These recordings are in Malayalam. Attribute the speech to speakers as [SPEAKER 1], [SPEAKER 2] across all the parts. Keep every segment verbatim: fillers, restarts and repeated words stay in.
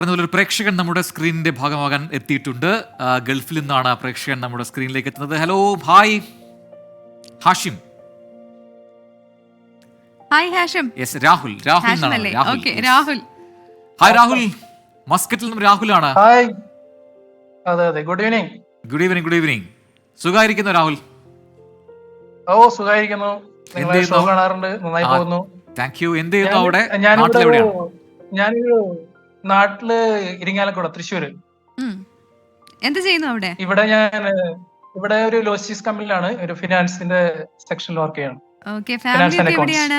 [SPEAKER 1] ഒരു പ്രേക്ഷകൻ നമ്മുടെ സ്ക്രീനിന്റെ ഭാഗമാകാൻ എത്തിയിട്ടുണ്ട്. ഗൾഫിൽ നിന്നാണ് പ്രേക്ഷകൻ നമ്മുടെ സ്ക്രീനിലേക്ക് എത്തുന്നത്. Hello, hi Hashim.
[SPEAKER 2] Hi Hashim.
[SPEAKER 1] Yes, Rahul. Rahul എന്നാണ്.
[SPEAKER 2] ഓക്കേ, രാഹുൽ.
[SPEAKER 1] ഹായ് രാഹുൽ, മസ്കറ്റിൽ നിന്നും രാഹുലാണ്.
[SPEAKER 3] ഹായ്. അതെ അതെ, good evening.
[SPEAKER 1] Good evening. Good evening. സുഖായിരിക്കുന്നു രാഹുൽ?
[SPEAKER 3] ഓ, സുഖായിരിക്കുന്നു. നിങ്ങളെ ഷോ കാണാറുണ്ട്, നന്നായി പോകുന്നു.
[SPEAKER 1] Thank you. എന്ത് ചെയ്യുന്നു അവിടെ?
[SPEAKER 3] ഞാനിവിടെ ഞാനൊരു നാട്ടില് ഇരിങ്ങാലക്കുട, തൃശ്ശൂര്.
[SPEAKER 2] എന്ത് ചെയ്യുന്നു അവിടെ?
[SPEAKER 3] ഇവിടെ ഞാൻ ഇവിടെ ഒരു ലോജിസ്റ്റിക്സ് കമ്പനിയിലാണ്, ഒരു ഫിനാൻസിന്റെ സെക്ഷനിൽ വർക്ക് ചെയ്യാണ്.
[SPEAKER 2] ഓക്കേ, ഫാമിലി എവിടെയാണ്?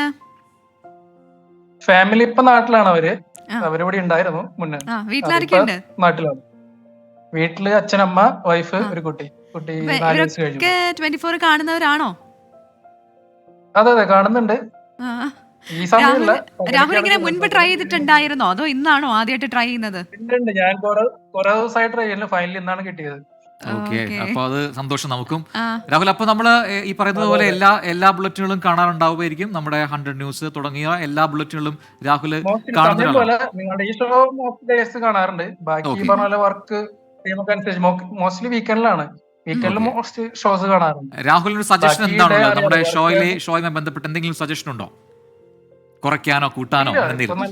[SPEAKER 3] ഫാമിലി ഇപ്പൊ നാട്ടിലാണ്. അവര് അവരിവിടെ ഉണ്ടായിരുന്നു മുന്നേ.
[SPEAKER 2] വീട്ടിലാരൊക്കെയുണ്ട്?
[SPEAKER 3] നാട്ടിലാണ്. വീട്ടില് അച്ഛനമ്മ, വൈഫ്, ഒരു കുട്ടി. കുട്ടി നാല് വയസ്സ് കഴിഞ്ഞു.
[SPEAKER 2] ട്വന്റി ഫോർ കാണുന്നവരാണോ?
[SPEAKER 3] അതെ അതെ, കാണുന്നുണ്ട്. ഈ സമയമില്ല.
[SPEAKER 2] രാഹുൽ ഇങ്ങനെ മുൻപ് ട്രൈ ചെയ്തിട്ടുണ്ടായിരുന്നോ, അതോ ഇന്നാണോ ആദ്യമായിട്ട് ട്രൈ ചെയ്യുന്നത്?
[SPEAKER 3] ഞാൻ കുറെ ദിവസമായി ട്രൈ ചെയ്യുന്നു. ഫൈനലി ഇന്നാണ് കിട്ടിയത്.
[SPEAKER 1] ഓക്കെ, അപ്പൊ അത് സന്തോഷം നമുക്കും. രാഹുൽ, അപ്പൊ നമ്മള് ഈ പറയുന്നത് പോലെ എല്ലാ എല്ലാ ബുള്ളറ്റിനുകളും കാണാറുണ്ടാവുമായിരിക്കും. നമ്മുടെ ഹൺഡ്രഡ് ന്യൂസ് തുടങ്ങിയ എല്ലാ ബുള്ളറ്റിനുകളും രാഹുൽ
[SPEAKER 3] കാണുന്നതുപോലെ നിങ്ങളുടെ ഈ ഷോ ഡേയ്സ് കാണാറുണ്ട്. ബാക്കി പറഞ്ഞ പോലെ വർക്ക് അനുസരിച്ച് മോസ്റ്റ്ലി വീക്കെൻഡിലാണ്. വീക്കെൻഡിൽ മോസ്റ്റ് ഷോസ് കാണാറുണ്ട്.
[SPEAKER 1] രാഹുലിന് സജഷൻ എന്താണുള്ളത്? നമ്മുടെ ഷോയിലെ ഷോയുമായി ബന്ധപ്പെട്ട് എന്തെങ്കിലും സജഷൻ ഉണ്ടോ? കുറയ്ക്കാനോ കൂട്ടാനോ എന്തെങ്കിലും?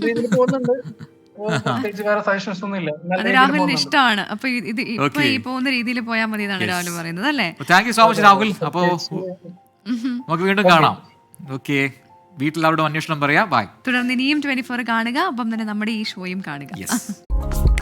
[SPEAKER 2] അത് രാഹുലിന് ഇഷ്ടമാണ്. അപ്പൊ ഇത് ഇപ്പൊ ഈ പോകുന്ന രീതിയിൽ പോയാൽ മതി എന്നാണ് രാഹുൽ പറയുന്നത്, അല്ലേ?
[SPEAKER 1] Thank you so much Rahul. അപ്പോ നമുക്ക് വീണ്ടും കാണാം. ഓക്കെ, വീട്ടിൽ അവിടെ അന്വേഷണം പറയാം. ബൈ.
[SPEAKER 2] തുടർന്ന് ഇനിയും ട്വന്റി ഫോർ കാണുക, ഒപ്പം തന്നെ നമ്മുടെ ഈ ഷോയും കാണുക.